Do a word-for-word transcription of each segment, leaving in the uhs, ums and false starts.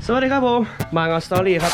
สวัสดีครับผมมางอสตอรี่ครับ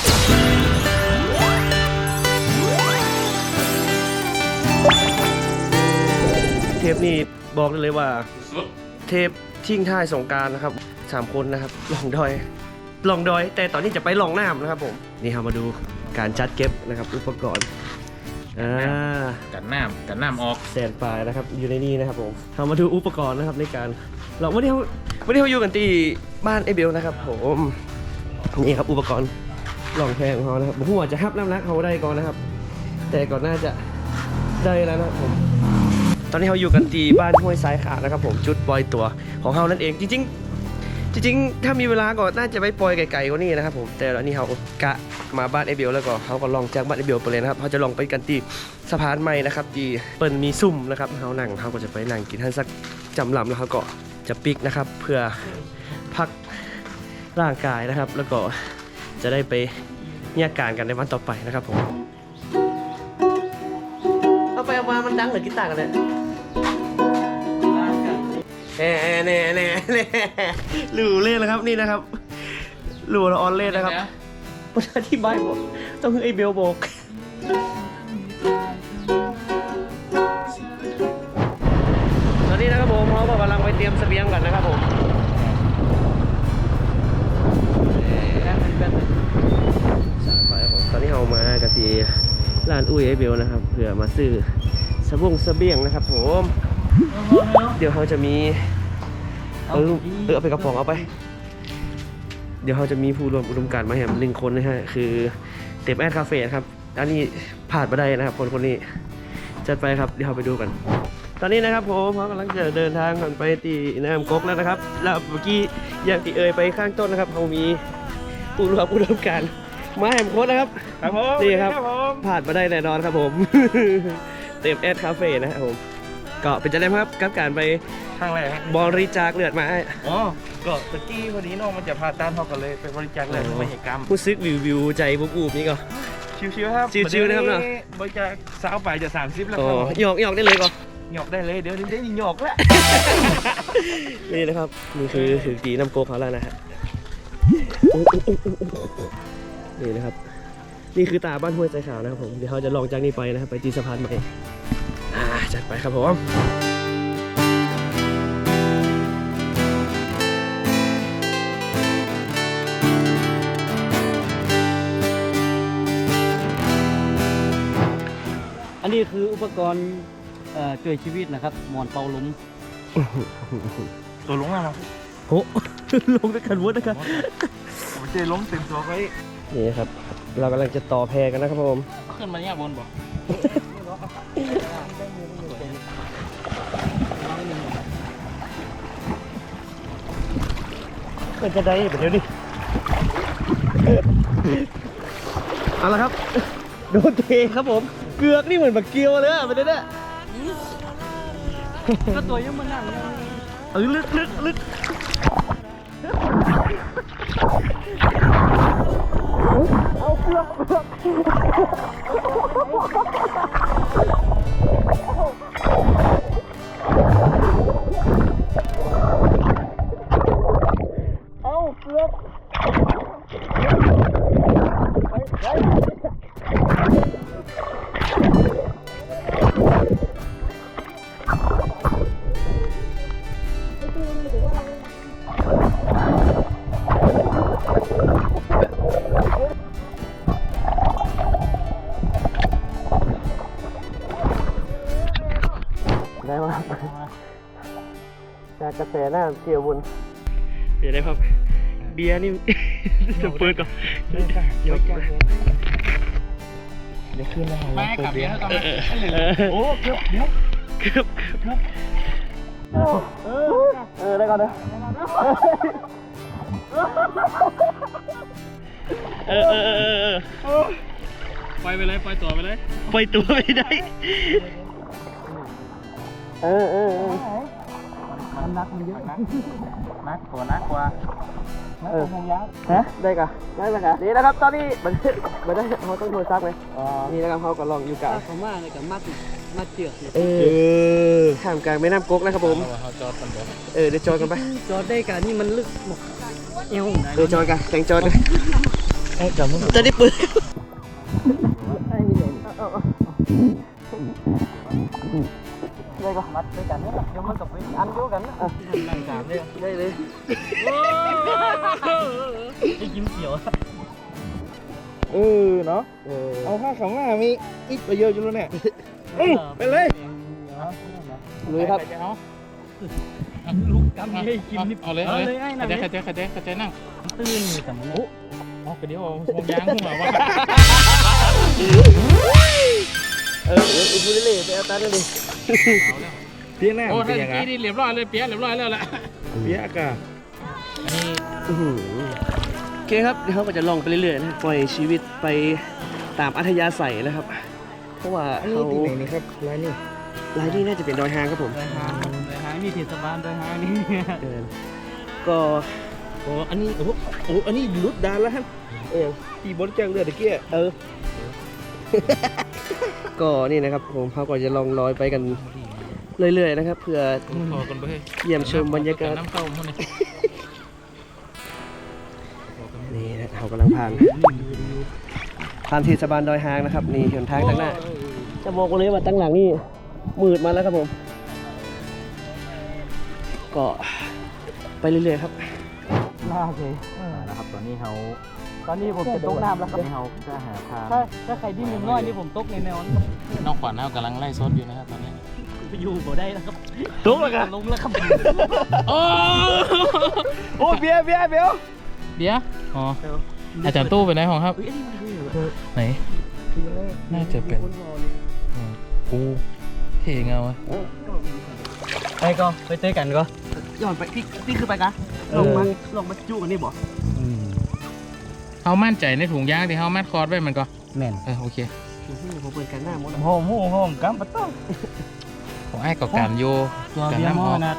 เทปนี้บอกได้เลยว่าเทปทิ้งท้ายสงกรานต์นะครับสามคนนะครับลองดอยลองดอยแต่ตอนนี้จะไปลองน้ำนะครับผมนี่เรามาดูการจัดเก็บนะครับอุปกรณ์อ่ากันน้ำกันน้ำออกแซนปลายนะครับอยู่ในนี้นะครับผมเรามาดูอุปกรณ์นะครับในการเราไม่ได้ไม่ได้อยู่กันที่บ้านไอเบลนะครับผมนี่ครับอุปกรณ์ลองแพงของเขานะครับผมว่าจะฮับน้ำหนักเขาได้ก่อนนะครับแต่ก่อนน่าจะได้แล้วนะครับผมตอนนี้เราอยู่กันที่บ้านห้วยสายขาดนะครับผมจุดปล่อยตัวของเขานั่นเองจริงๆจริงๆถ้ามีเวลาก็น่าจะไปปล่อยไกลๆกว่านี้นะครับผมแต่ตอนนี้เขากะมาบ้านไอเบลแล้วก็เขาก็ลองจากบ้านไอเบลไปเลยนะครับเขาจะลองไปกันที่สะพานใหม่นะครับที่เปิดมีซุ่มนะครับเขานั่งเขาก็จะไปนั่งกินท่านสักจำลำแล้วเขาก็จะปิกนะครับเพื่อพักร่างกายนะครับแล้วก็จะได้ไปแยกการกันในวันต่อไปนะครับผมเอาไปเอามามันดังเหมือนกีตาร์กันเลยแน่แน่แน่แน่หลูเล่นนะครับนี่นะครับหลูละออนเล่นนะครับมันอธิบายบอกต้องคือไอเบลบอกตอนนี้นะครับผมเขากำลังไปเตรียมเสบียงกันนะครับผมตอนนี้เรามากะทีร้านอุ้ยไอเบลนะครับเพื่อมาซื้อสบงเสบียงนะครับผมเดี๋ยวเขาจะมีเออเออเอาไปกระป๋องเอาไปเดี๋ยวเขาจะมีผู้รวมอุดมการณ์มาแหมหนึ่งคนนะฮะคือเต็มแอดคาเฟ่ครับอันนี้ผ่านมาได้นะครับคนคนนี้จัดไปครับเดี๋ยวเราไปดูกันตอนนี้นะครับผมเขากำลังจะเดินทางกันไปที่น้ำก๊กแล้วนะครับแล้วเมื่อกี้อย่างที่เอ่ยไปข้างต้นนะครับเขามีผู้รวมอุดมการณ์มาแหมโค้ดนะครับครับผมนี่ครับผ่านมาได้แน่นอนครับผมเต็มแอดคาเฟ่นะครับผมก็เป็นจะได้ครับกับการไปข้างแรกบริจาคเลือดมาอ๋อก็ตะกี้พอดีน้องมันจะผ่าตัดเขาก็เลยไปบริจาคเลือดไม่ใช่กรรมผู้ซึกวิววิวใจบุบอูบนี่ก็ชิวๆครับชิวๆนะครับเนาะบริจาคสาวไปจะสามสิบแล้วครับหยอกหยอกได้เลยก็หยอกได้เลยเดี๋ยวนี้ได้หยอกแล้วนี่นะครับนี่คือคือกีน้ำโกเขาแล้วนะฮะนี่นะครับนี่คือตาบ้านห้วยใจขาวนะครับผมเดี๋ยวเขาจะลองจากนี้ไปนะครับไปตีสะพานใหม่อ่าจัดไปครับผมอันนี้คืออุปกรณ์ช่วยชีวิตนะครับหมอนเป่าลมตัวลงมาแล้วโอ้ลงด้วยกันวุ้นนะครับผมเจล้มเต็มตัวไว้นี่ครับเรากำลังจะต่อแพกันนะครับผมขึ้นมาเนี่ยบนบ่มันจะได้แบบเดี๋ยวดิเอาละครับโดนเทครับผมเกือกนี่เหมือนบักเกียวเลยอะไปเนี่ยก็ตัวยังมันนั่งเออลึกลึกลึกเอาเกือกเกือกเอาเกือกได้มาจากกระแสหน้าเกี่ยวบุญเดี๋ยวได้ครับเบียร์นี่จะเปิดก่อนเดี๋ยวเดี๋ยวขึ้นนะครับไม่กลับเบียร์ก่อนโอ้เกือบเกือบเกือบเกือบเออเออได้ก่อนนะเออเออเออเออไปไปเลยไปตัวไปเลยไปตัวไม่ได้เออเออเออมันนักมันเยอะนักนักกว่านักกว่าเออฮะได้กะได้ไหมกะนี่นะครับตอนนี้มันมันได้เขาต้องโทรซักไหมนี่นะครับเขาก็ลองอยู่กะเขามากเลยกับมัดมัดเจือกเออข้ามกลางแม่น้ำก๊กนะครับผมเขาจอดกันบ่เออเดี๋ยวจอดกันไปจอดได้กะนี่มันลึกหมดเอวเออจอยกันแต่งจอยกันเอ้ยจับมือจะได้ปืนเลยก็มัดด้วยกันเนี่ยเดี๋ยวมันกับเป็นอันเดียวกันนะนั่งสามเลยได้เลยไอ้ยิ้มเขียวเออเนาะเอาผ้าขาวหน้ามีอิดไปเยอะอยู่แล้วเนี่ยไปเลยเลยครับลูกกำให้กินนี่เอาเลยเอาเลยขัดใจขัดใจขัดใจขัดใจนั่งตื่นแต่มันโอ้อ๋อกระเดี๋ยวมองยางขึ้นมาว่าเออเออพูดเล่ๆไปเอาตาได้เลยเปียกหน้าโอ้เป็ท่าน นยังไงกี้นี่เรียบร้อยเลยเปียกเรียบร้อยแล้วแหละเปียกอะอันนี้โอเคครับเดี๋ยวเขาก็จะลองไปเรื่อยๆนะปล่อยชีวิตไปตามอัธยาศัยนะครับ เพราะว่าอันนี้เขาที่ไหนนี่ครับร้านนี้รายนี้น่าจะเป็นดอยหางครับผมดอยหางดอยหางนี่เทศบาลดอยหางนี่เออก็โอ้อันนี้โอ้โหโอ้อันนี้ลุดดานแล้วฮะเออที่บริจาคเลือดตะเกียเออก็นี่นะครับผมเขาก็จะลองลอยไปกันเรื่อยๆนะครับ เพื่อพอกันไปเยี่ยมชมบรรยากาศน้ำเข้ามันนี่นี่นะเขากำลังผ่านผ่านเทศบาลดอยหางนะครับนี่หนทางตั้งหน้าจะบอกเลยว่าตั้งหลังนี่มืดมาแล้วครับผม ก็ไปเรื่อยๆครับน่าเลยนะครับตอนนี้เขาตอนนี้ผมจะตกน้ำแล้วครับเขาจะหาทางถ้าถ้าใครดิ้นน้อยนี่ผมตกในแนวนั้นน้องขวัญเขากำลังไล่ซดอยู่นะครับตอนนี้ไปอยู่บ่ได้แล้วครับตกแล้วกันลงแล้วครับโอ้โอ้เบียร์เบียร์เบียร์เดี๋ยวอ๋ออาจารย์ตู้ไปไหนของครับเฮ้ยอันนี้มันคือไหนน่าจะเป็นอืมกูเท่เงาอะไปก็ไปเจอกันก็ย้อนไปพี่พี่คือไปกะลงมาลงมาจู้กันนี่บ่เขามั่นใจในถุงยางที่เขามัดคอร์ดไว้มันก็แม่นเออโอเคผมเปิดกันหน้าหมดแล้วโฮมโฮมกัมปะต้องของไอ้กับการโยตัวการเบียร์น้ำหหม้ออมนะ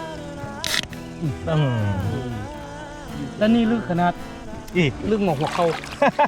แล้วนี่ลึกขนาดอีลึกหมอกหัวเข่า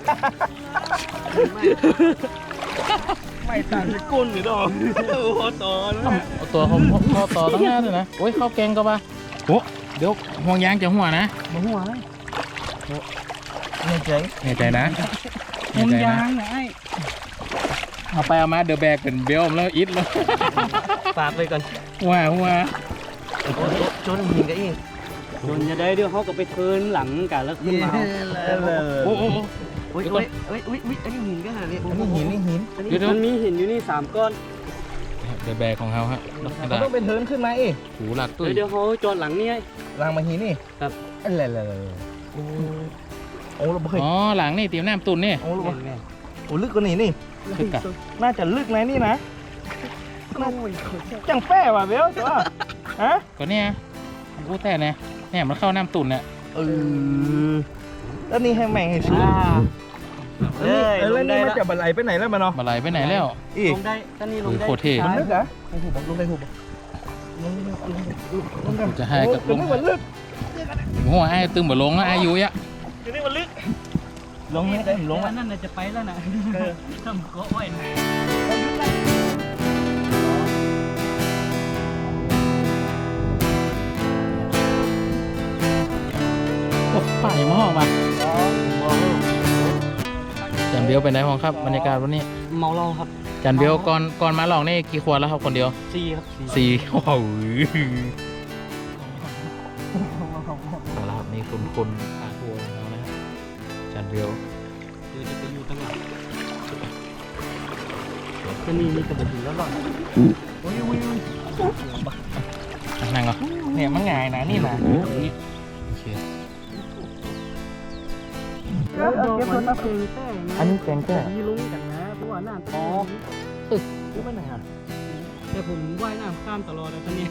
ไม่ต่างจากก้นหรือดอกโอ้โหตอนเอาตัวเขาเขาต่อตั้งหน้าเลยนะโอ้ยเข้าแกงก็ปะโอ้เดี๋ยวห่วงยางจะหัวนะมาหัวเลยในใจแน่ใจนะมุงแน่ใจยานะงไงเอาไปเอามาเดอะแบกเป็นเบลมแล้วอิดแล้วฝากไปก่อนหัวหัวโจนหินกันอีกจนจะได้เดี๋ยวเขาก็ไปเทินหลังกันแล้วขึ้นมาโอ้โหโอ้ยโอ้ยโอ้ยโอ้ยอันนี้หินกันขนาดนี้อันนี้หินนี่หินเดี๋ยวเดี๋ยวมันมีหินอยู่นี่สามก้อนเดอะแบกของเขาฮะเขาต้องเป็นเทินขึ้นมาเอ๊ะหูหลักตุ้ยเดี๋ยวเขาจอดหลังนี่ไงรางมาหินนี่ครับอะไรอะไรโอ้โอ้เราเคยอ๋อหลังนี่เตรียมน้ำตุนนี่โอ้เราแม่นโอ้ลึกกว่านี้นี่คึกกะน่าจะลึกนะนี่นะจังแป้ว่ะเบลจ้ะฮะก็เนี่ยกูแต่เนี่ยเนี่ยมันเข้าน้ำตุนเนี่ยเออแล้วนี่ให้แม่งให้ซื้ออ่าเออแล้วนี่มันจะบันไลไปไหนแล้วมันเนาะมาไหลไปไหนแล้วอีกลงได้ตอนนี้ลงได้โคตรเท่มันลึกเหรอลงหุบลงไปหุบลงลงลงลงกันจะให้กับลลงงมันลึกหัวไอ้ตึงบ่ลงนะอายุยะอยู่นี่มันลึกลงไม่ได้ผมลงอัอ่ะนนั่นน่ะจะไปแล้วนะทำก็อ้อยนะโอ้ป่ายังมาห้องมาจันเบลไปไหนห้องครับบรรยากาศวันนี้เมาเหล้าครับจันเบลก่อนก่อนมาลองนี่กี่ขวดแล้วครับคนเดียวซีครับซีสี่โอ้โหเอาละครับนี่คุณคุณอาครัวของเรานะครับจันเบลเดี๋ยวจะไปอยู่ตั้งหลังก็นี่นี่กระบอกหินแล้วหรอนั่งเหรอเนี่ยมันง่ายนะนี่นะโอเคอันนี้แกงแก้ยีลุงกันนะเพราะว่าน้ำอ๋อรู้ไหมไหนอ่ะแต่ผมว่ายน้ำข้ามตลอดเลยตอนนี้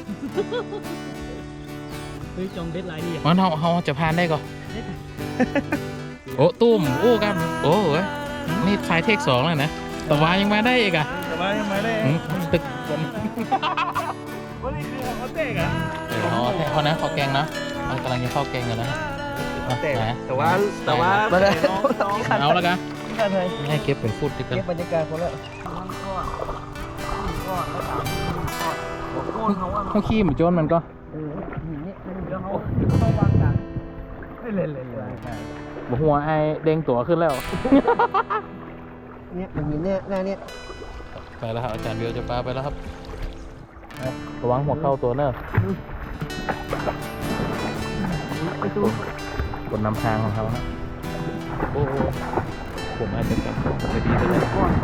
เฮ้ยจองเบ็ดลายดีอ่ะมันเขาเขาจะพานได้ก่อนโอ้ตุ้มโอ้กันโอ้เว้ยนี่ทายเทคสองแล้วนะแต่ว่ายังมาได้อีกอ่ะแต่ว่ายังไม่ได้อืมตึกวันนี้คือเขาเตะกันเดี๋ยวเขาให้เขานะเขาแกงนะมันกำลังจะเข้าแกงกันนะเตะไหนแต่ว่าแต่ว่ามาเลยน้องน้องเอาแล้วกันกันเลยให้เก็บเป็นฟุตดีกันเก็บบรรยากาศคนละเขาขี้เหมือนโจนมันก็เดี๋ยวเขาเขาวางกันเลยเลยเลยหัวไอเด้งตัวขึ้นแล้วเนี่ยมันมีเนี่ยหน้าเนี่ยไปแล้วครับอาจารย์เบียวจะปลาไปแล้วครับระวังหัวเข้าตัวเนอะกดนำทางของเขาฮะโอ้โหผมอาจจะเป็นจะดีเลย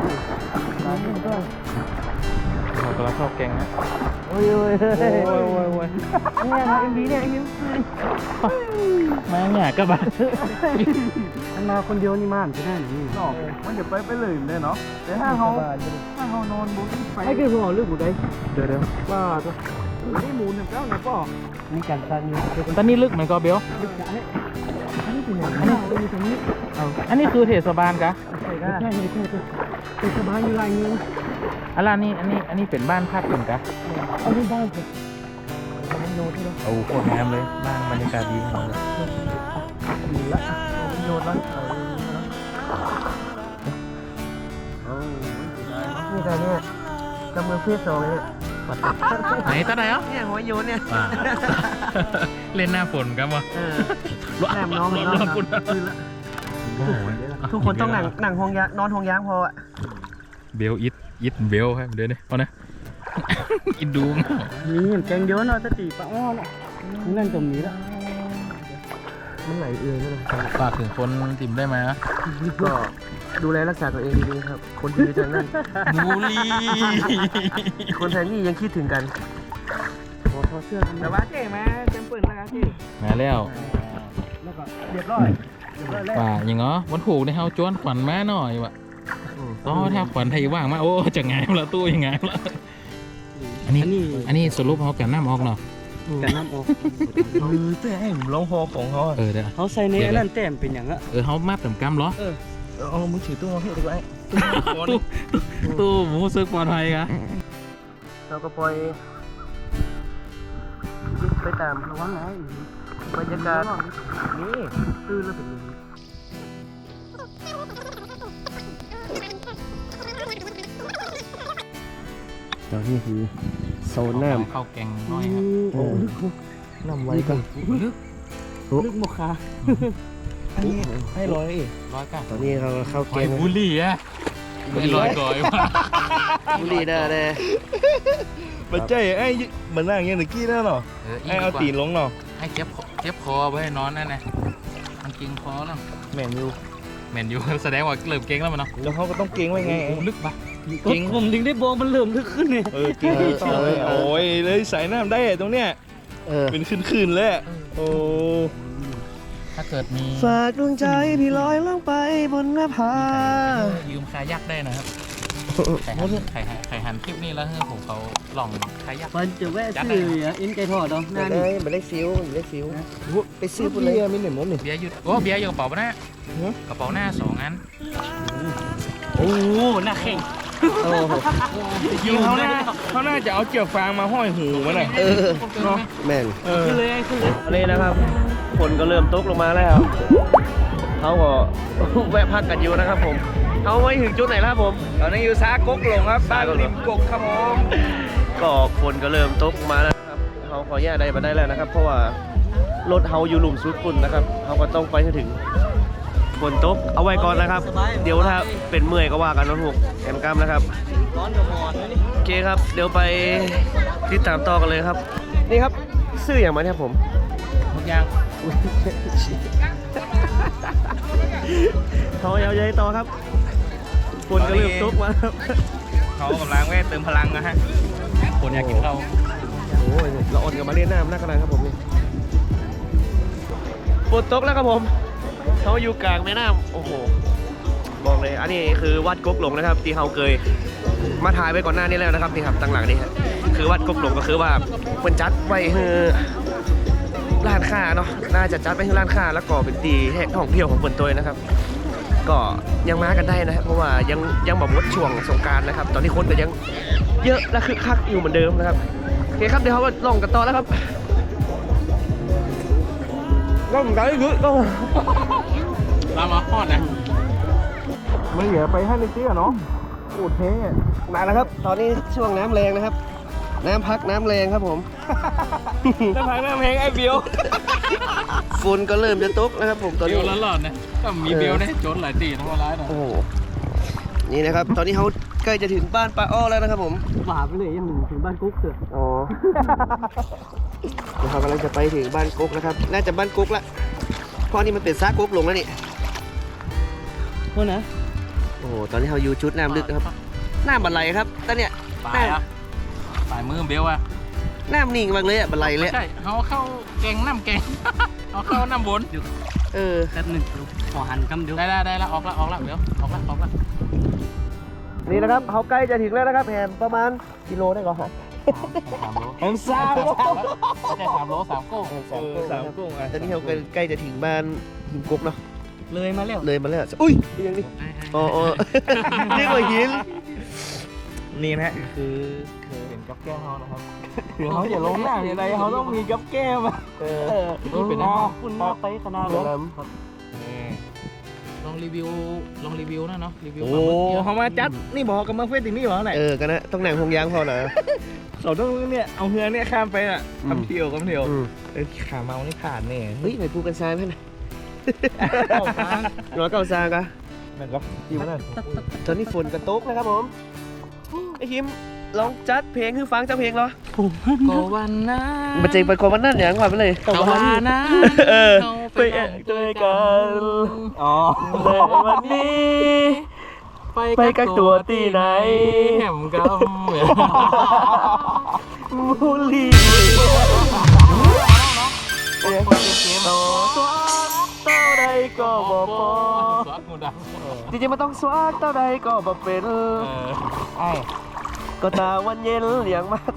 เรากำลังเข้าแกงนะโอ้ยโอ้ยโอ้ยโอ้ยโอ้ยเนี่ยนะเอ็มดีเนี่ยเอ็มดีมาเนี่ยก็บ้ามันมาคนเดียวนี่มันจะได้หรือเนาะมันจะไปไปเลยเลยเนาะแต่ถ้าเขาถ้าเขานอนบนไฟไอ้คือหัวเรื่องบุได้เดี๋ยวเดี๋ยวว่าตัวนี่หมูหนึ่งเก้านะป่อมีการซันอยู่ตอนนี้ลึกเหมือนก็เบียวลึกจ้ะอันนี้เป็นอย่างนี้อยู่ตรงนี้เอาอันนี้คือเทศบาลกะใช่ใช่ใช่ใช่เป็นสบายอยู่ไรเงี้ยอะไรนี่อันนี้อันนี้เป็นบ้านพักเป็นกะเอาที่บ้านสิมันโยนที่เราโอ้โหโคตรงามเลยบ้านบรรยากาศดีมากเลยดีละมันโยนแล้วนี่แต่เนี่ยกำมือเพื่อสองเนี่ยไหนตาไหนอ่ะเนี่ยหัวโยนเนี่ยว้า เล่นหน้าฝนกันวะเออแนมน้องมันน้อง ทุกคนต้องหนังหนังห้องยานอนห้องยางพออ่ะเบลอิดอิดเบลครับเดี๋ยวนี้เอานะ อิดดูนี่แกงเยอะเนาะสติปะอ้อเนาะนั่นตรงนี้ละมันไหลเอื่อยนั่นแหละฝากถึงคนติ่มได้ไหมอะก็ดูแลรักษาตัวเองดีๆครับ คนที่อยู่ทางนั้นบูลลี่คนแทนนี่ยังคิดถึงกันขอขอเสื้อกันแต่ว่าเจ๊มาเต็มปืนแล้วครับเจ๊มาแล้วแล้วก็เรียบร้อยเรียบร้อยแล้วป่าอย่างเงาะวันถูกในเฮาจวนขวัญมาหน่อยวะอ๋อถ้าขวัญไทยว่างมาโอ้จะไงละตู้ยังไงละอันนี้อันนี้สรุปเขากันน้ำออกเนาะกันน้ำออกเออแต่ไอ้ร้องพอของเขาเออเดี๋ยวเขาใส่ในนั่นแต้มเป็นอย่างอะเออเขามาเติมกำเหรอเอามือถือตู้มาให้ดีกว่าตู้ตู้หมูซึกปลอดภัยกะเราก็ปล่อยคิดไปตามระวังไงบรรยากาศนี่ตื้อแล้วเป็นอย่างนี้ตอนนี้คือโซนน้ำเข้าแกงน้อยครับโอ้น้ำไว้กันลึกลึกโมคาอันนี้ให้ร้อยเองร้อยเก้าตอนนี้เราเข้าเกไอ้มบุลลี่อะไม่ร้อยก่อยว่ะบุรีได้เลยมันใจไอ้เหมือนนั่งอย่างนี้กี้นั่นเนาะเอออีไอ้กเอากว่าตีนลงเนาะให้เจ็บคอเจ็บคอไว้ให้นอนนั่นนะมันเก่งคอแล้วแม่นอยู่แมนยู แสดงว่าเริ่มเก่งแล้วมันเนาะแล้วเขาก็ต้องเก่งไว้ไงโอ้ลึกปะจริงผมถึงได้บอกมันเริ่มลึกขึ้นเนี่ยเออเก่งต่อเลยโอ้ยเลยใส่น้ำได้ตรงเนี้ยเออเป็นขึ้นๆเลยอะโอ้ถ้าเกิดมีฝากดวงใจพี่ลอยลงไปบนหน้าผายืมคายักได้นะครับใครหันใครหันใครหันคลิปนี้แล้วให้ผมเขาลองคายักมันจะแวะซื้ออ่ะอินไก่ทอดเนาะหไม่น้าได้นี่ไม่ได้ซิวไม่ได้ซิวไปซื้อพูปุ่ดนเลเลย ยมีหนึ่งมุมนี่เบียร์อยู่โอ้เบียร์อยู่กระเป๋าหน้าฮะกระเป๋าหน้าสองอันโอ้หน้าแข็งโอ้โหยิงเขาน่าเขาน่าจะเอาเกี่ยวฟางมาห้อยหูมันน่ะเออเนาะแม่นเออขึ้นเลยขึ้นเลยอันนี้นะครับฝนก็เริ่มตกลงมาแล้วเขาก็ แวะพักกันอยู่นะครับผมเขาไว้ถึงจุดไหนแล้วครับผมตอนนี้อยู่ซากกหลงครับบ้านริมกกครับผมก็ฝนก็เริ่มตกมาแล้วนะครับเขาขอแยกได้มาได้แล้วนะครับ เพราะว่ารถเฮาอยู่หลุมซุดฝุ่นนะครับเขาก็ต้องไปให้ถึงฝนตกเอาไว้ก่อนนะครับ เดี๋ยวถ้าเป็นเมื่อยก็ว่ากันนะพวกแอมกล้ามนะครับร้อนกับหมอนนี่โอเคครับ เดี๋ยวไปติดตามต่อกันเลยครับ นี่ครับซื้ออย่างมาเนี่ยผมทุกอย่างเขายาวใหญ่ต่อครับฝนก็เริ่มตกมาครับเขากำลังแวะเติมพลังนะฮะคนอยากกินข้าวโอ้ยเราอดกับมาเล่นน้ำหน้ากระดานครับผมนี่ฝนตกแล้วครับผมเขาอยู่กลางแม่น้ำโอ้โหบอกเลยอันนี้คือวัดกกหลงนะครับ ที่เขาเคยมาถ่ายไปก่อนหน้านี้แล้วนะครับนี่ครับตั้งหลังนี่ฮะคือวัดกกหลงก็คือว่าเป็นจัดไว้คือร้านค้าเนาะน่าจะจัดไปที่ร้านค้าแล้วก็เป็นตีแห่งท่องเที่ยวของเปิ่นตัวนะครับ ก็ยังมากันได้นะครับเพราะว่ายังยังแบบมดช่วงสงกรานต์นะครับ ตอนนี้คนก็ยังเยอะและคึกคักอยู่เหมือนเดิมนะครับโอเคครับเดี๋ยวเขาก็ลองกันต่อแล้วครับก็เหมือนกันคือก็เรามาฮอดนะไม่เหลือไปให้ในเตี้ยเนาะโอ้เท่มาแล้วครับ ตอนนี้ช่วงน้ำแรงนะครับ น้ำพักน้ำแรงครับผมน้ำพังน้ำแหงไอ้เบียวฝนก็เริ่มจะตกนะครับผมตอนเบนี้ลหลอนๆนะก็มีเบลได้โจนหลายตีทั้งวันร้ายหน่อยโอ้โหนี่นะครับ ตอนนี้เขาใกล้จะถึงบ้านป้าอ้อแล้วนะครับผมหวาไปเลยยังหนึ่งถึงบ้านกุ๊กเถอะอ๋อเดี๋ยวเขากำลังจะไปถึงบ้านกุ๊กนะครับน่าจะบ้านกุ๊กละเพราะนี่มันเป็นซากกุ๊กลงแล้วนี่โทษนะโอ้โหตอนนี้เขาอยู่ชุดน้ำลึกนะครับน้ำบันไลครับตอนเนี้ยปลายอ่ะปลายมือเบลอ่ะน้ำนิ่งมากเลยอ่ะบันไลเลยใช่เขาเข้าแกงน้ำแกง เขาเข้าน้ำบนเออแป๊บหนึ่งขอหันคำเดียวได้ได้ได้แล้วออกละออกละเบลออกละออกละนี่นะครับเขาใกล้จะถึงแล้วนะครับแฮมประมาณกิโลได้ก่อนครับสามโลแอมซ่าไม่ใช่สามโลสามโก้สามโก้สามกุ้งอ่ะตอนนี้เขาใกล้จะถึงบ้านหินกุ๊กเนาะเลยมาแล้วเลยมาแล้วอุ้ยยังนี่อ๋ออ๋อเรียกว่าหินนี่นะคือคือเป็นกับแก้วเขานะครับคือเขาจะลงหน้าอะไรเขาต้องมีกับแก้วมาเออนี่เป็นน้คุณน่าไปขนาดเดี๋ยวนั้นนะำลองรีวิวลองรีวิวนะเนาะรีวิวโอ้เขามาจัดนี่บอกกับมาเฟสตินี่บอกไหนเออกันนะต้องหนังพงยางพอนะเขาต้องเนี่ยเอาเฮือเนี่ยข้ามไปอ่ะอืมทำเที่ยวกำเที่ยวอืมเออขาเมานี่ผ่านแน่เฮ้ยไปพูดกันซ้ายไหมนะร้อยเก้าซากะมันก็ดีมากตอนนี้ฝนกระตกนะครับผมไอ้คิมลองจัดเพลงคือฟังจัดเพลงเหรอก็วันนั้นมันจริงเป็นคนวันนั้นอย่างก่อนไปเลยก็วันนั้นเออไปแอบด้วยกันอ๋อเลยวันนี้ ไปกักตัวที่ไหนแหมกำมูลีโตตัวเต้าใดก็บอกพอสวัสดีดังจริงๆมันต้องสวากเต้าใดก็บอกเป็นไอ้ก็ตาวันเย็นเลี้ยงมาก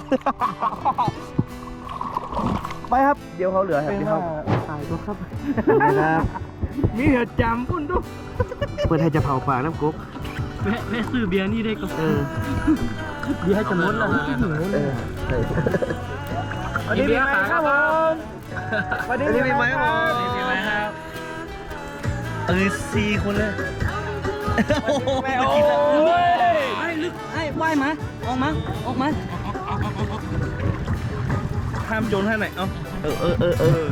ไปครับ เดี๋ยวเขาเหลือครับเดี๋ยวเขาถ่ายตัวครับนะครับมีเหตุจำพุ่นด้วยเพื่อนให้จะเผาปากน้ำกุ๊กแม่แม่ซื้อเบียร์นี่ได้ก็เออเบียร์จะหมดแล้วคิดถึงเออวันนี้มีไหมครับผมวันอันนี้มีไหมครับผมมีไหมครับเออสี่คนเลยแม่โอ้ยไอ้ลึกไอ้ว่ายมาออกมาออกมาห้ามโจรให้ไหนเอ้าเออเออเออเออ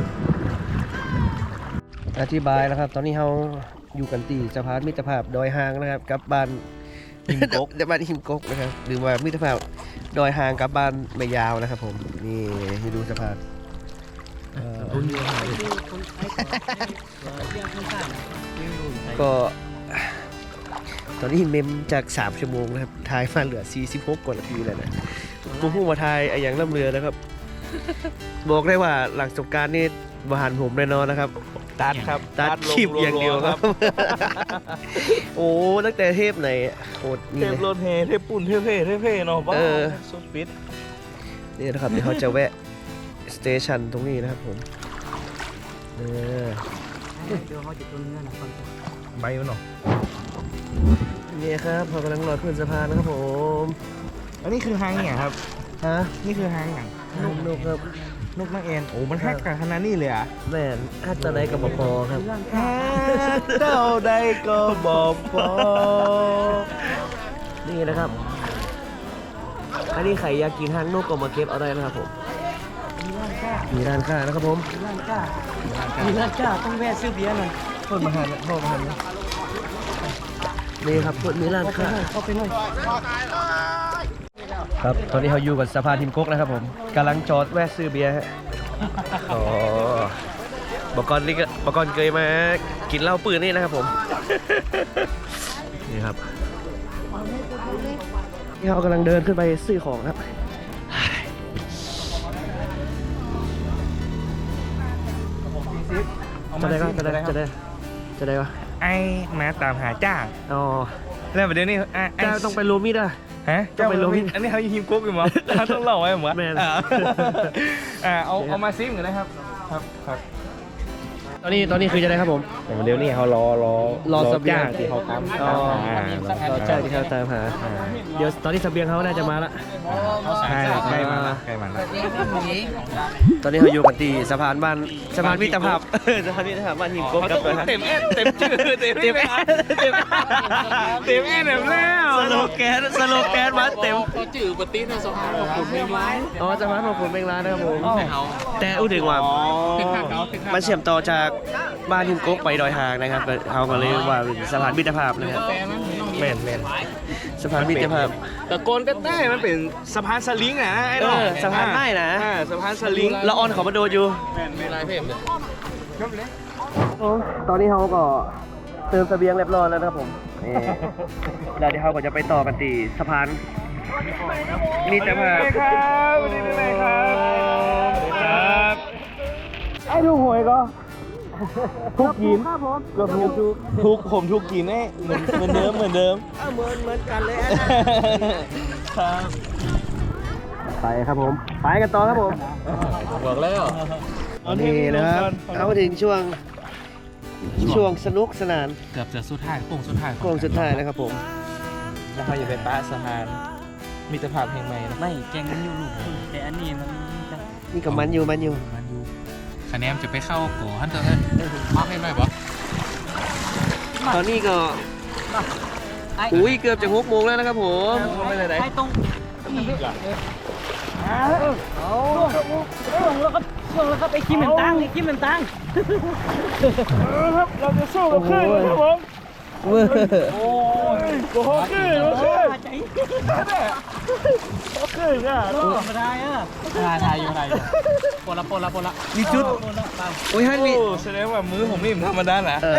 อธิบายนะครับ ตอนนี้เราอยู่กันที่สะพานมิตรภาพดอยหางนะครับกับบ้านหิมกก บ้านหิมกกนะครับหรือว่ามิตรภาพดอยหางกับบ้านไม่ยาวนะครับผมนี่ให้ดูสะพานเอ่อคนไทยก็เบียร์คนใต้ก็ ตอนนี้เมมจากสามชั่วโมงนะครับทายมาเหลือสี่สิบหกกว่านาทีแล้วนะผมพูดมาทายไอ้อย่างล่ำเรือนะครับ บอกได้ว่าหลังสงกรารนี่บหันผมแน่นอนนะครับตัดครับตัดคลิปอย่างเดียวครับ โอ้ตั้งแต่เทปไหนโอ้เทนี่ปเลยรถเฮเทปปุ่นเทปเพ่เทปเพ่เนาะบ้าเออสุดปิดนี่นะครับเดี๋ยวเขาจะแวะสเตชันตรงนี้นะครับผมเออเดี๋ยวเขาจะต้นเนื้อหนังก่อนใบมันเนาะนี่ครับเขากำลังรอขึ้นสะพานนะครับผมอันนี้คือหางเนี่ยครับฮะนี่คือหางหนังนุกนุกครับนกนักเอ็นโอ้มันฮักกันขนาดนี้เลยอ่ะแม่นฮัตตะไนกับบพอครับเจ้าใดก็บอกพอนี่นะครับ อันนี้ใครอยากกินหางนกก็มาเก็บเอาได้นะครับผมมีร้านค้ามีร้านค้านะครับผมมีร้านค้ามีร้านค้าต้องแวะซื้อเบียร์หน่อยโทษมาหันโทษมาหันนี่ครับมีร้านค้าเข้าไปหน่อยครับ ตอนนี้เขาอยู่กับสะพานทิมกกนะครับผมกำลังจอดแวะซื้อเบียร์ฮะอ๋อบอกกอนนี่ก็บอกกอนเคยมากินเหล้าปืนนี่นะครับผม นี่ครับนี่เขากำลังเดินขึ้นไปซื้อของครับ จะได้ก็จะได้จะได้จะได้ก็ไอ้มาตามหาจ้างอ๋อแล้วประเดี๋ยวนี้ไอ้ไอ้เจ้าต้องไปโรมิดอ่ะฮะต้องไปโรมิอันนี้เขายิงฮิมกุ๊กอยู่มั้งต้องเล่าไว้มั้งแม่นอ่าอ่าเอาเอามาซิมกันนะครับครับครับตอนนี้ตอนนี้คือจะได้ครับผมเดี๋ยวนี้เขารอรอรอเสบียงจ้างที่เขาตามอ๋อตามหาเราใช่ที่เขาตามหาเดี๋ยวตอนนี้เสบียงเขาน่าจะมาละใช่ใกล้มาละใกล้มาละตอนนี้เขาอยู่กันที่สะพานบ้านสะพานมิตรภาพสะพานมิตรภาพบ้านหิมโก้กับเต็มแอดเต็มชื่อเต็มเต็มแอดเต็มเต็มแอดแบบแล้วสโลแกนสโลแกนมาเต็มเขาจื่อปฏิในสะพานของคุณไม่ร้ายอ๋อสะพานของผมเป็นร้านนะครับผมแต่เขาแต่อู้ถึงว่าเป็นข้างเขาเป็นข้างมันเชื่อมต่อจากบ้านหิมโก้ไปดอยหางนะครับเขาก็เลยว่าเป็นสะพานมิตรภาพนะครับแต่มันไม่ต้องแม่นแม่นสะพานมิตรภาพตะโกนก็ได้มันเป็นสะพานสลิงอ่ะไอ้ดอกเออสะพานไม้นะอ่าสะพานสลิงละออนเขามาโดนอยู่ไม่ร้ายเพิ่มเลยตอนนี้เขาก็เติมเสบียงเรียบร้อยแล้วนะครับผมนี่แล้วเดี๋ยวเขาก็จะไปต่อกันที่สะพานมิตรภาพครับวันนี้เป็นไงครับครับไอ้ดูหวยก็ทุกกินก็ทุกทุกผมทุกกินไอ้เหมือนเหมือนเดิมเหมือนเดิมเออเหมือนเหมือนกันเลยครับไปครับผมไปกันต่อครับผมบอกแล้วนี่นะครับเอามาถึงช่วงช่วงสนุกสนานเกือบจะสุดท้ายโค้งสุดท้ายโค้งสุดท้ายนะครับผมแล้วเขาอย่าไปป้าสะพานมิตรภาพแห่งใหม่นะไม่แกงมันอยู่ลูกแต่อันนี้มันจะนี่กับมันอยู่มันอยู่มันอยู่คะแนนจะไปเข้าโกฮันเตอร์เลยมาให้หน่อยบอตอนนี้ก็อุ้ยเกือบจะหกโมงแล้วนะครับผมไม่ได้ไหนให้ตรงช่วงแล้วก็ช่วงแล้วก็ไปคิมเหมือนตังไอ้คิมเหมือนตังครับเราจะสู้กับคลื่นครับผมเว้ยโอ้ยโอ้โหคลื่นโอ้โหคลื่นใจโอ้คลื่นอ่ะธรรมดาอ่ะทายทายอยู่ไหนปนละปนละปนละมีจุดอุ้ยฮันมีโอ้แสดงว่ามือผมนี่ธรรมดานะเออ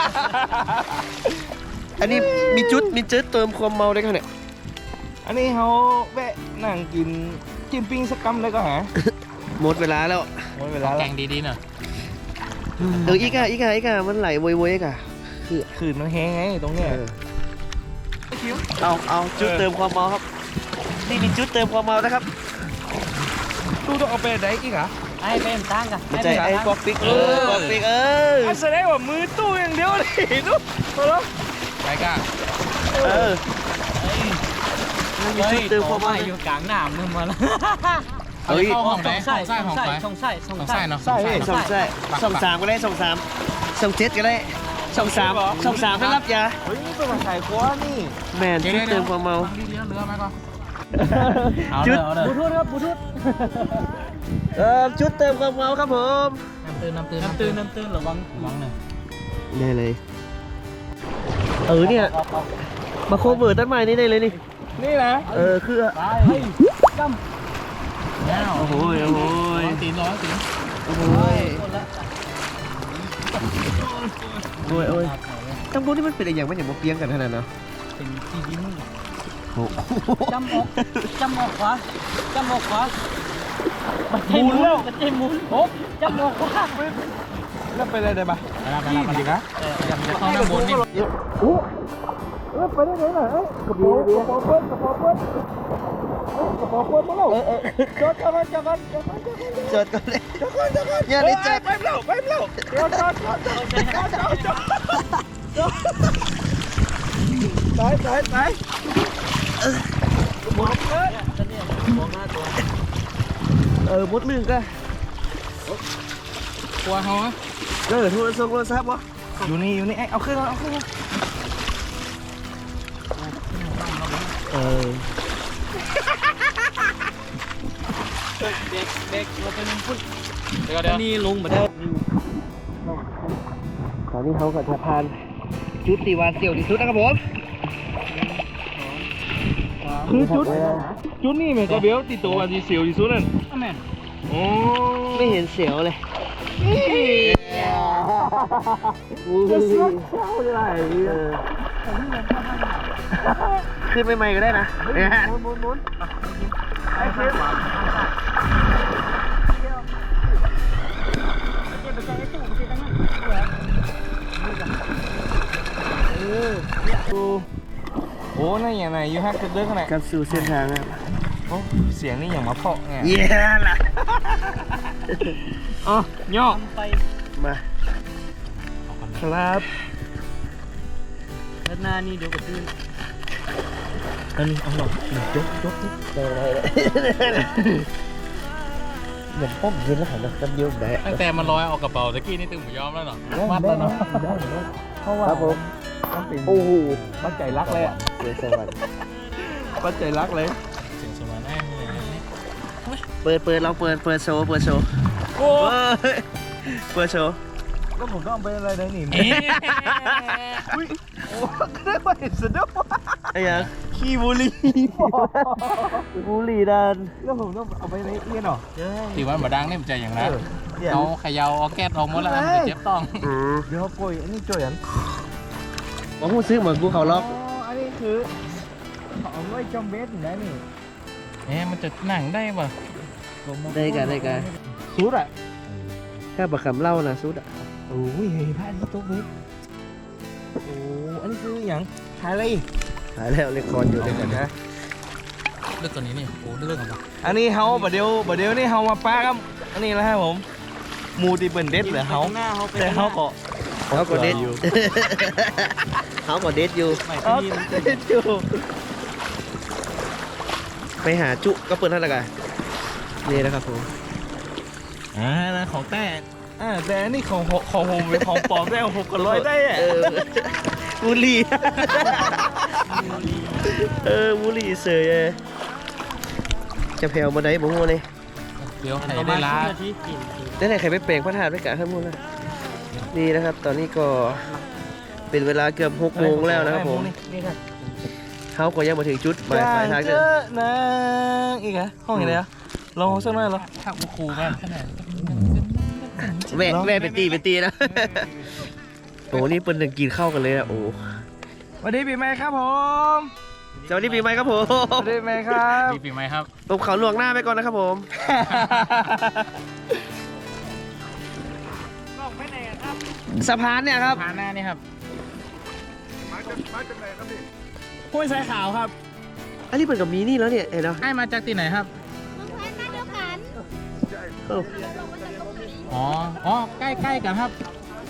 อันนี้มีจุดมีจุดเติมความเมาได้ขนาดเนี่ยอันนี้เขาแวะนั่งกินกินปิ้งสักกำเลยก็หาหมดเวลาแล้วหมดเวลาแกแล้วงดีๆหน่อยเอออีกอะอีกอะอีกอะมันไหลโวยๆอีกอะคือคลื่นมันแห้งไงตรงเนี้ยเออเอาเอาจุดเติมความเมาครับนี่มีจุดเติมความเมานะครับตู้ต้องเอาไปไหนอีกเหรอไอ้เป็นตังกันไม่ใช่ไอ้ป๊อกปิ๊กเออป๊อกปิ๊กเอออ่ะแสดงว่ามือตู้อย่างเดียวเลยตู้เอาละไปก้าเออมันมีจุดเติมความเมาอยู่กลางน้ำนึงมาแล้วเฮ้ยเข้าห้องไหนใส่ห้องใส่ห้องใส่ใส่ช่องใส่ช่องห้องใส่ใส่เนาะใช่สองใช่สองสามก็ได้สองสามสองเจ็ดก็ได้สองสามสองสามไม่รับยาเฮ้ยนี่เป็นมาขายคว้านี่แมนจุดเติมความเมาดีเรือเรือไหมก็จุดบูทูธครับบูทูธเออจุดเติมความเมาครับผมน้ำตื่นน้ำตื่นน้ำตื่นน้ำตื่นระวังระวังหนึ่งได้เลยเออเนี่ยมาโคเวอร์ต้นไม้นี่ได้เลยนี่นี่นะเออคือไปจแล้วโอ้โหโอ้โหร้อนตีนร้อนตีนโอ้โหำโอ้ยโอ้ยตั้งพวกนี้มันเป็นอะไรอย่างมันอย่างมาเปียงกันขนาดนั้นเป็นที่ดินโอ้จำออกจำออกขวาจำออกขวาบัดใจหมุนบัดใจหมุนโอ้จำออกขวาแล้วไปได้ได้ปะไปละไปละไปละอยากจะเข้าน้ำบนนี่โอ้เออไปได้ไหนล่ะเอ้ยกระเป๋ากระเป๋าเปิ้ลกระเป๋าเปิ้ลกระเป๋าเปิ้ลมาแล้วจอดกันจอดกันจอดกันจอดก่อนเลยจอดกันจอดกันอย่าได้จับไปแล้วไปแล้วจอดจอดจอดจอดจอดจอดจอดไปไปไปเออมดลึงก็กลัวเขาไหมเออโทรศัพท์โทรศัพท์วะอยู่นี่อยู่นี่ไอ้เอาขึ้นมาเอาขึ้นมาเออเด็กเด็กเราเป็นพุ่นเดี๋ยวเดี๋ยวนี่ลงมาได้ตอนนี้เขาก็จะพานจุดตีวานเสี่ยวที่สุดนะครับผมคือจุดจุดนี่เหมือนกับเบลติดตัววันที่เสียวที่สุดนั่นแม่นโอ้ไม่เห็นเสียวเลยจะเสียวเท่าไหร่เออขึ้นใหม่ๆก็ได้นะเนี่ยหมุนหมุนหมุนไอ้เชฟโอ้นั่นอย่างไรยูฮักจะเดินขนาดกับสู่เส้นทางครับโอ้เสียงนี่อย่างมาเพาะไงเย้ล่ะอ๋อย่อไปมาครับด้านหน้านี่เดี๋ยวก็ตื้นอันนี้เอาหรอกยกยกที่ได้ได้เหมือนป้อมเย็นแล้วหันมาจำเดียวได้ตั้งแต่มันลอยออกกระเป๋าตะกี้นี่ตึงหมูยอมแล้วเนาะมัดแล้วเนาะได้ได้เพราะว่าครับผมมันเป็นโอ้โหปัจจัยรักเลยอ่ะเดี๋ยวสวัสดีปัจจัยรักเลยเสียงสวรรค์แน่เลยเปิดเปิดเราเปิดเปิดโชว์เปิดโชว์โอ้เปิดเปิดโชว์แล้วผมต้องเอาไปอะไรได้หนิเอ๊ะอุ้ยโอ้ก็ได้มาเห็นสะดุ้งไอ้ยังขี้บุหรี่บุหรี่ดันแล้วผมต้องเอาไปในเอียนหรอตีวันบดังเนี่ยมันจะอย่างนั้นเนี่ยเอาเขยาวเอาแก๊สออกหมดแล้วมันจะเจ็บต้องอืมเดี๋ยวป่วยอันนี้จ่วยอันมาพูดซื้อเหมือนกูเขาล็อกอ๋ออันนี้คือเอาไว้จอมเบสนะนี่เอ๊ะมันจะหนังได้ป่ะได้กันได้กันสุดอ่ะแค่ประคำเหล่านะสุดอ่ะโอ้ยพระอาทิตย์ตกเบสโอ้อันนี้คืออย่างขายอะไรอีกหายแล้วเรคคอร์ดอยู่ด้วยกันนะเลือกตัวนี้นี่โอ้เลือกอะไรอันนี้เฮาบัดเดียวบัดเดียวนี่เฮามาป้าครับอันนี้แล้วครับผมหมูตีเปิ่นเด็ดเหรอเฮาแต่เฮาก็เขาก็เด็ดเขาก็เด็ดอยู่เออเด็ดอยู่ไปหาจุก็เปิดเท่าไหร่กันนี่นะครับผมอ่านะของแต่อ่าแต่อันนี้ของของผมเป็นของปลอมได้ของผมก็ร้อยได้อะเออบุหรี่เออบุหรี่เสยเลยจะแผ่วมาได้บ่ฮู้เลยเดี๋ยวใครได้ล้าได้ไหนใครไปแปลงพระธาตุไว้กะข้างบนนะนี่นะครับ ตอนนี้ก็เป็นเวลาเกือบหกโมงแล้วนะครับผมนี่ครับเขาก็ยังมาถึงจุดหมายปลายทางเจเลยอนะอีกเหรอห้องไหนอ่ะลองสักหน่อยเหรอถ้ากูครูแม่ขนาดแม่แม่เป็นตีเป็นตีนะโอ้นี่เป็นหนึ่งกินข้าวกันเลยนะโอ้สวัสดีปีใหม่ครับผมสวัสดีปีใหม่ครับผมสวัสดีปีใหม่ครับดีปีใหม่ครับผมเขาลวงหน้าไปก่อนนะครับผมสะพานเนี่ยครับพาหน้านี่ครับห้วยสายขาวครับอันนี้เป็นกับมีนี่แล้วเนี่ยเห็นไหมไอ้มาจากที่ไหนครับเมืองไทยมาเดียวกันเอ้าลงมาจากตรงนี้อ๋อ อ๋อ ใกล้ๆกันครับ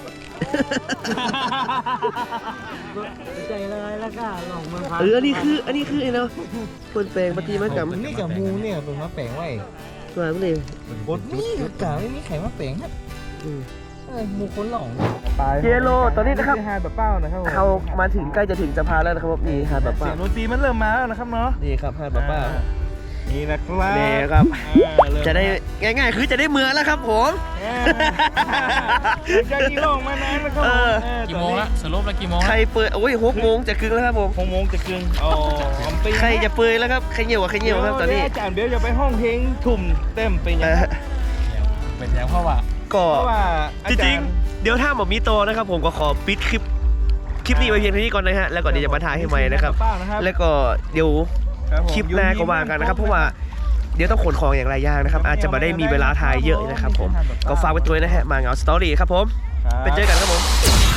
ใจเลยแล้วก็หลงเมืองพัเอออันนี้คืออันนี้คือไอ้เนาะคนแปลงปฏิมากรรมนี่กับมูเนี่ยเป็นมะแปลงไว้ตัวนั้นเลยบดนี่กะไม่มีไข่มะแปลงครับอืมเออมูคนหลงเจโลตอนนี้นะครับหาดแบบเป้านะครับเขามาถึงใกล้จะถึงสะพานแล้วนะครับผมนี่หาดป้าเสียงดนตรีมันเริ่มมาแล้วนะครับเนาะนี่ครับหาดป้านี่นะครับนี่ครับอ่าเริ่มจะได้ง่ายๆ คือจะได้เมืองแล้วครับผมอ่าหลังจากที่ลงมานานนะครับเออเออกี่โมงละสรุปแล้วกี่โมงใครละเปิดโอ้ยหกโมงจะครึ่งแล้วครับผมหกโมงจะกึ่งอ๋อผมไปใครจะเปิดแล้วครับใครเหนียวกว่าใครเหนียวครับตอนนี้เดี๋ยวอาจารย์เบลจะไปห้องเพลงทุ่มเต็มไปเอยังอเป็นอย่างเพราะว่าก็เพราะว่าอาจจาริรง ย์ๆเดี๋ยวถ้าหมอมีโตนะครับผมก็ขอปิดคลิปคลิปนี้ไว้เพียงเท่านี้ก่อนนะฮะแล้วก็เดี๋ยวจะมาถ่ายให้ใหม่นะครับป้านะครับแล้วก็เดี๋ยวครับผมคลิปหน้าก็ว่ากันนะครับ เพราะว่าเดี๋ยวต้องขนของอย่างไรอย่างนะครับ อาจจะมาได้มีเวลาถ่ายเยอะนะครับผมก็ฝากไว้ตัวด้วยนะฮะมาเหงาสตอรี่ครับผมไปเจอกันครับผม